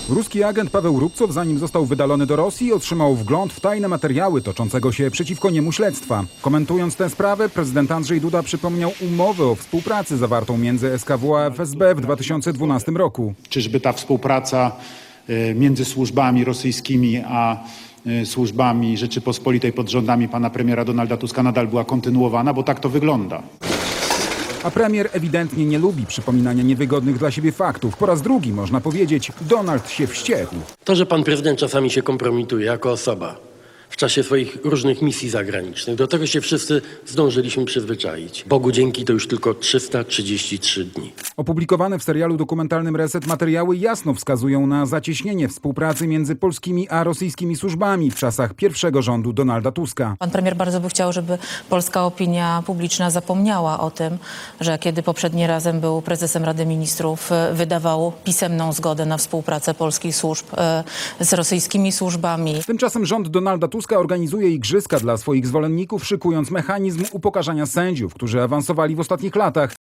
Ruski agent Paweł Rubcow, zanim został wydalony do Rosji, otrzymał wgląd w tajne materiały toczącego się przeciwko niemu śledztwa. Komentując tę sprawę, prezydent Andrzej Duda przypomniał umowę o współpracy zawartą między SKW a FSB w 2012 roku. Czyżby ta współpraca między służbami rosyjskimi a służbami Rzeczypospolitej pod rządami pana premiera Donalda Tuska nadal była kontynuowana, bo tak to wygląda. A premier ewidentnie nie lubi przypominania niewygodnych dla siebie faktów. Po raz drugi, można powiedzieć, Donald się wściekł. To, że pan prezydent czasami się kompromituje jako osoba w czasie swoich różnych misji zagranicznych, do tego się wszyscy zdążyliśmy przyzwyczaić. Bogu dzięki to już tylko 333 dni. Opublikowane w serialu dokumentalnym Reset materiały jasno wskazują na zacieśnienie współpracy między polskimi a rosyjskimi służbami w czasach pierwszego rządu Donalda Tuska. Pan premier bardzo by chciał, żeby polska opinia publiczna zapomniała o tym, że kiedy poprzedni razem był prezesem Rady Ministrów, wydawał pisemną zgodę na współpracę polskich służb z rosyjskimi służbami. Tymczasem rząd Donalda Tuska organizuje igrzyska dla swoich zwolenników, szykując mechanizm upokarzania sędziów, którzy awansowali w ostatnich latach.